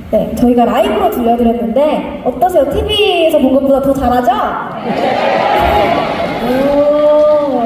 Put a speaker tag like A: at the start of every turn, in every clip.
A: 네, 저희가 라이브로 들려드렸는데 어떠세요? TV에서 본 것보다 더 잘하죠? 오.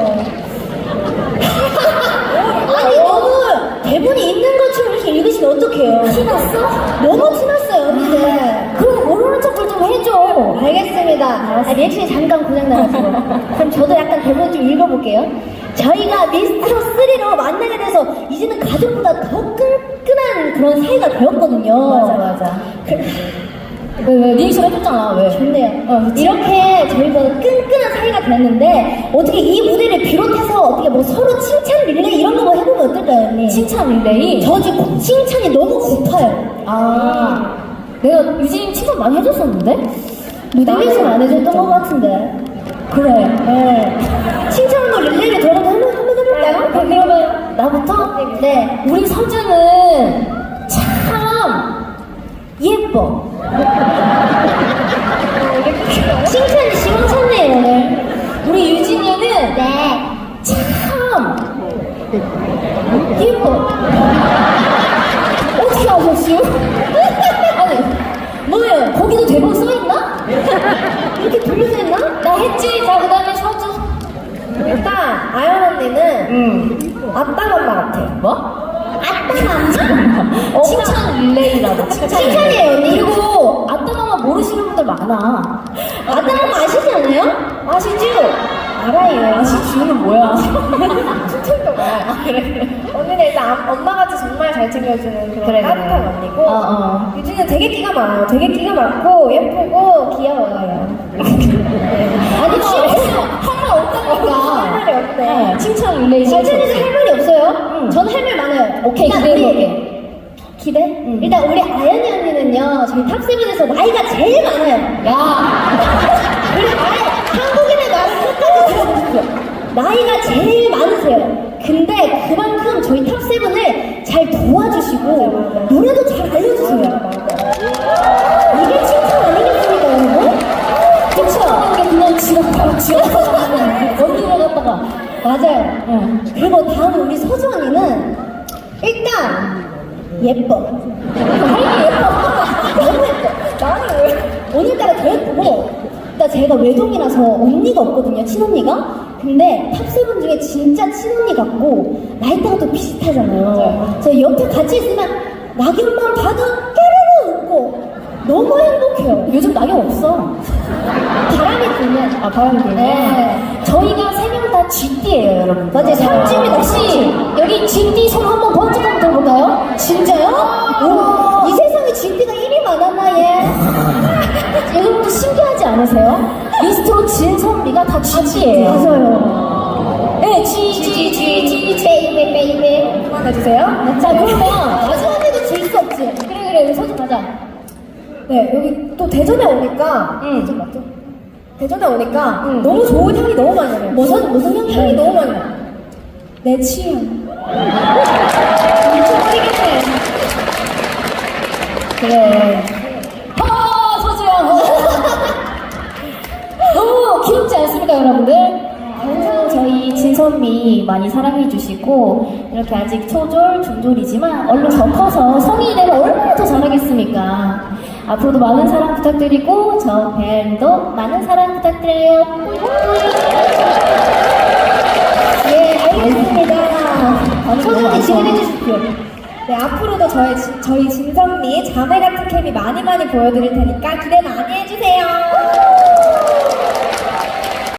A: 아니 너무 대본이 있는 것처럼 이렇게 읽으시면 어떡해요? 티났어? 너무 티났어요 언니들. 그럼 모르는 척을 좀 해줘. 알겠습니다. 아, 리액션이 잠깐 고장나가지고. 그럼 저도 약간 대본 좀 읽어볼게요. 저희가 미스트로3로 만나게 돼서 이제는 가족보다 더 끈끈한 그런 사이가 되었거든요.
B: 맞아. 왜 리액션 해줬잖아. 왜?
A: 좋네요. 이렇게 저희가 끈끈한 사이가 됐는데 어떻게 이 무대를 비롯해서 어떻게 뭐 서로 칭찬 릴레이 이런 거 뭐 해보면 어떨까요, 언니?
B: 칭찬 릴레이?
A: 저 지금 칭찬이 너무 고파요.
B: 아, 내가 유진이 칭찬 많이 해줬었는데?
A: 무대에서 안 해줬던 것 같은데.
B: 그래.
A: 네. 칭찬으로 릴레이를 저라도 한번 해볼까요?
B: 그러면 나부터?
A: 네.
B: 우리 서준은 참 예뻐.
A: 칭찬이 시원찮네요, 오늘.
B: 우리 유진이는
A: 네.
B: 참 예뻐. 어떻게 아셨어요? 아니, 뭐예요? 거기도 대본 써있나?
A: 이렇게 돌려서 했나?
B: 나 했지. 자, 그 다음에 서준.
A: 일단 아연 언니는 아빠 엄마 같아.
B: 뭐?
A: 아빠
B: 칭찬 릴레이라고.
A: 칭찬이에요, 언니.
B: 그리고 아따마마 모르시는 분들 많아.
A: 아빠 엄마 아시지 않아요? 아시죠? 알아요.
B: 아시지는 뭐야?
A: 칭찬도 말아요. 그래. 언니는 일단 엄마같이 정말 잘 챙겨주는 그런 따뜻한 언니고 유진은 되게 끼가 많아요. 되게 끼가 많고 예쁘고 귀여워요.
B: 아니, 할 말 없다니까.
A: 할 말이 없대.
B: 칭찬 릴레이.
A: 서준이도 할 말이 없어요? 저는 할 말 많아요.
B: 오케이,
A: 일단
B: 기대해볼게.
A: 기대? 일단 우리 아연이 언니는요 저희 탑세븐에서 나이가 제일 많아요.
B: 야,
A: 우리 한국인의 말을 끝까지 들어보십시오. 나이가 제일 많으세요. 근데 그만큼 저희 탑세븐을 잘 도와주시고 노래도 잘 알려주세요. 이게 칭찬 아니겠습니까, 여러분?
B: 그쵸? 이게 그냥 바로 지어서 언니가 갔다가.
A: 맞아요. 그리고 다음 우리 서주 언니는 일단 예뻐. 너무 예뻐. 나는 왜? 오늘따라 더 예쁘고, 일단 제가 외동이라서 언니가 없거든요, 친언니가. 근데 탑세븐 중에 진짜 친언니 같고 나이대가 또 비슷하잖아요. 저 옆에 같이 있으면 낙엽만 봐도 깨르르 웃고 너무 행복해요.
B: 요즘 낙엽 없어.
A: 바람이 불면.
B: 아, 바람이 불면.
A: 네.
B: 저희가 세 명 다 GD예요, 여러분.
A: 맞아요. 삼집이다,
B: 혹시 여기 GD 손 한번 번쩍 한번 들어볼까요?
A: 진짜요? 오, 이 세상에 GD가 1위 많았나, 얘?
B: 여러분도 신기하지 않으세요? 미스트로 진선미가 다 GD예요.
A: 맞아요.
B: 네, G.
A: 베이베. 그만해주세요.
B: 자, 그러면
A: 마지막에도 질 수 없지.
B: 그래, 우리 서준 가자.
A: 네, 여기 또 대전에 오니까. 대전 맞죠? 대전에 오니까 너무 좋은 향이 너무 많이 나요. 무슨 향이 너무 많이 나요. 내 취향. 미쳐버리겠네.
B: 그래. 서주야. 너무 귀엽지 않습니까, 여러분들? 항상 저희 진선미 많이 사랑해주시고, 이렇게 아직 초졸, 중졸이지만, 얼른 더 커서 성인이 되면 얼마나 더 잘하겠습니까? 앞으로도 많은 사랑 부탁드리고, 저 벨도 많은 사랑 부탁드려요.
A: 예, 알겠습니다. 소중히 진행해 주십시오. 네, 앞으로도 저희 진선미 자매 같은 케미 많이 보여드릴 테니까 기대 많이 해주세요.